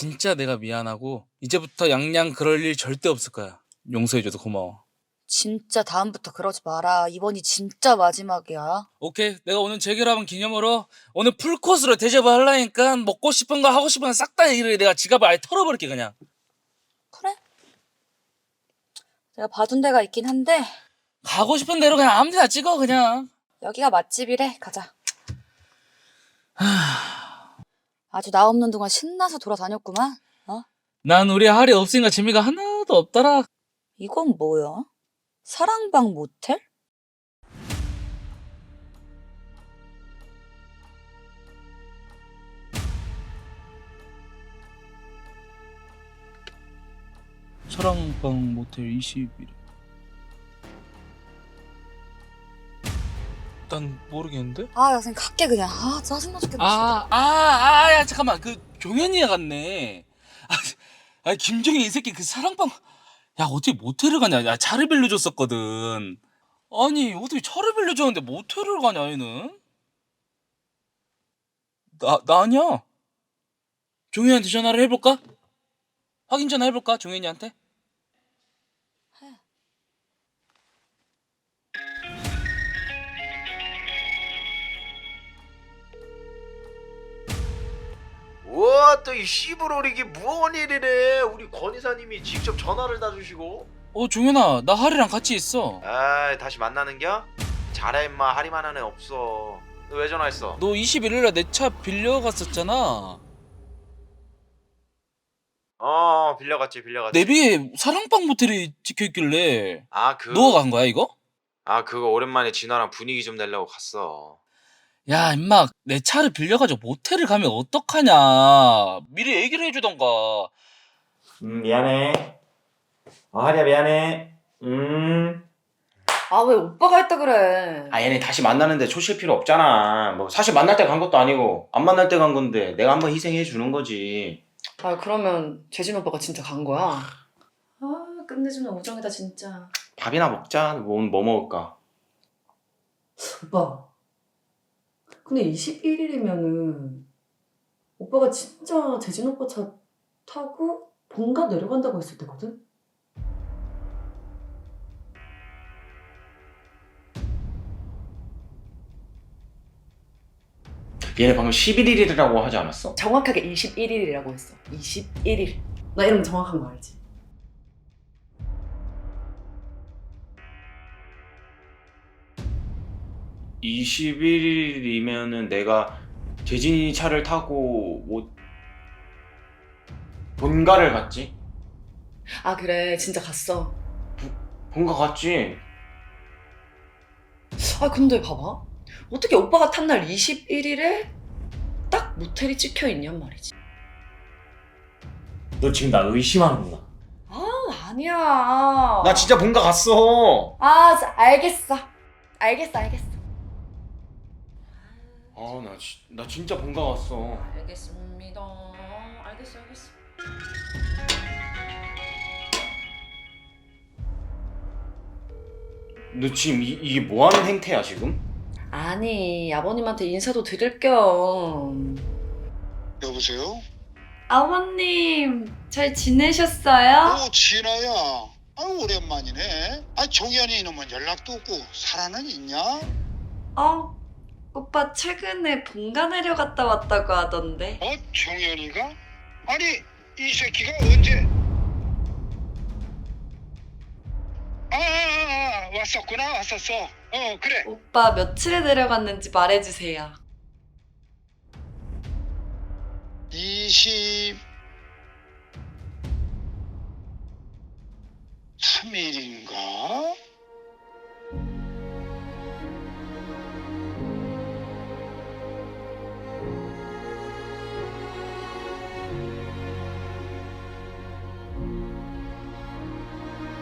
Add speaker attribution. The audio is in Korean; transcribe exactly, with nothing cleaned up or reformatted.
Speaker 1: 진짜 내가 미안하고 이제부터 양양 그럴 일 절대 없을 거야. 용서해줘서 고마워.
Speaker 2: 진짜 다음부터 그러지 마라. 이번이 진짜 마지막이야.
Speaker 1: 오케이, 내가 오늘 재결합한 기념으로 오늘 풀코스로 대접을 하려니까 먹고 싶은 거 하고 싶은 거 싹 다 얘기를 해. 내가 지갑을 아예 털어버릴게 그냥.
Speaker 2: 그래? 내가 봐둔 데가 있긴 한데
Speaker 1: 가고 싶은 대로 그냥 아무 데나 찍어 그냥.
Speaker 2: 여기가 맛집이래. 가자. 아주 나 없는 동안 신나서 돌아다녔구만. 어?
Speaker 1: 난 우리 할이 없으니까 재미가 하나도 없더라.
Speaker 2: 이건 뭐야? 사랑방 모텔?
Speaker 1: 사랑방 모텔 이십 일. 난 모르겠는데?
Speaker 2: 아, 야, 그냥 갈게 그냥. 아, 짜증나 죽겠네.
Speaker 1: 아, 아, 아, 야, 잠깐만. 그, 종현이가 갔네. 아, 아, 김정희 이 새끼 그 사랑방. 야, 어떻게 모텔을 가냐. 야, 차를 빌려줬었거든. 아니, 어떻게 차를 빌려줬는데 모텔을 가냐, 얘는? 나, 나 아니야. 종현이한테 전화를 해볼까? 확인 전화 해볼까, 종현이한테?
Speaker 3: 우와 또 이 씨부롤 이게 무언 일이래. 우리 권 이사님이 직접 전화를 다 주시고.
Speaker 1: 어, 종현아, 나 하리랑 같이 있어.
Speaker 3: 아 다시 만나는겨? 잘해 임마. 하리만한 애 없어. 너 왜 전화했어?
Speaker 1: 너 이십일일날 내 차 빌려갔었잖아.
Speaker 3: 어 빌려갔지 빌려갔지.
Speaker 1: 내비에 사랑방 모텔이 찍혀있길래.
Speaker 3: 아그
Speaker 1: 너가 간 거야, 이거?
Speaker 3: 아 그거 오랜만에 진화랑 분위기 좀 내려고 갔어.
Speaker 1: 야, 임마, 내 차를 빌려가지고 모텔을 가면 어떡하냐. 미리 얘기를 해주던가.
Speaker 3: 음 미안해. 어 하리야 미안해. 음.
Speaker 2: 아, 왜 오빠가 했다 그래?
Speaker 3: 아 얘네 다시 만나는데 초실 필요 없잖아. 뭐 사실 만날 때 간 것도 아니고 안 만날 때 간 건데 내가 한번 희생해 주는 거지.
Speaker 4: 아 그러면 재진 오빠가 진짜 간 거야? 아 끝내주는 우정이다 진짜.
Speaker 3: 밥이나 먹자. 뭐 오늘 뭐 먹을까?
Speaker 4: 오빠 근데 이십일 일이면은 오빠가 진짜 재진 오빠 차 타고 본가 내려간다고 했을 때거든?
Speaker 3: 얘네 방금 십일 일이라고 하지 않았어?
Speaker 4: 정확하게 이십일 일이라고 했어. 이십일 일. 나 이름 정확한 거 알지?
Speaker 3: 이십일 일이면은 내가 재진이 차를 타고 뭐 본가를 갔지?
Speaker 4: 아 그래 진짜 갔어.
Speaker 3: 본가 갔지?
Speaker 4: 아 근데 봐봐. 어떻게 오빠가 탄 날 이십일 일에 딱 모텔이 찍혀 있냔 말이지.
Speaker 3: 너 지금 나 의심하는구나.
Speaker 4: 아 아니야.
Speaker 3: 나 진짜 본가 갔어.
Speaker 4: 아 자, 알겠어. 알겠어 알겠어.
Speaker 3: 아 나 나 진짜 본가 갔어.
Speaker 4: 알겠습니다. 알겠어 알겠어.
Speaker 3: 너 지금 이, 이게 뭐 하는 행태야 지금?
Speaker 4: 아니 아버님한테 인사도 드릴 겸.
Speaker 5: 여보세요?
Speaker 4: 아버님 잘 지내셨어요?
Speaker 5: 오 진아야. 아 오랜만이네. 아 종현이 이놈은 연락도 없고 살아는 있냐?
Speaker 4: 어 오빠 최근에 본가 내려갔다 왔다고 하던데.
Speaker 5: 어 종현이가? 아니 이 새끼가 언제? 아, 아, 아, 아 왔었구나 왔었어. 어 그래.
Speaker 4: 오빠 며칠에 내려갔는지 말해주세요.
Speaker 5: 이십삼 일인가?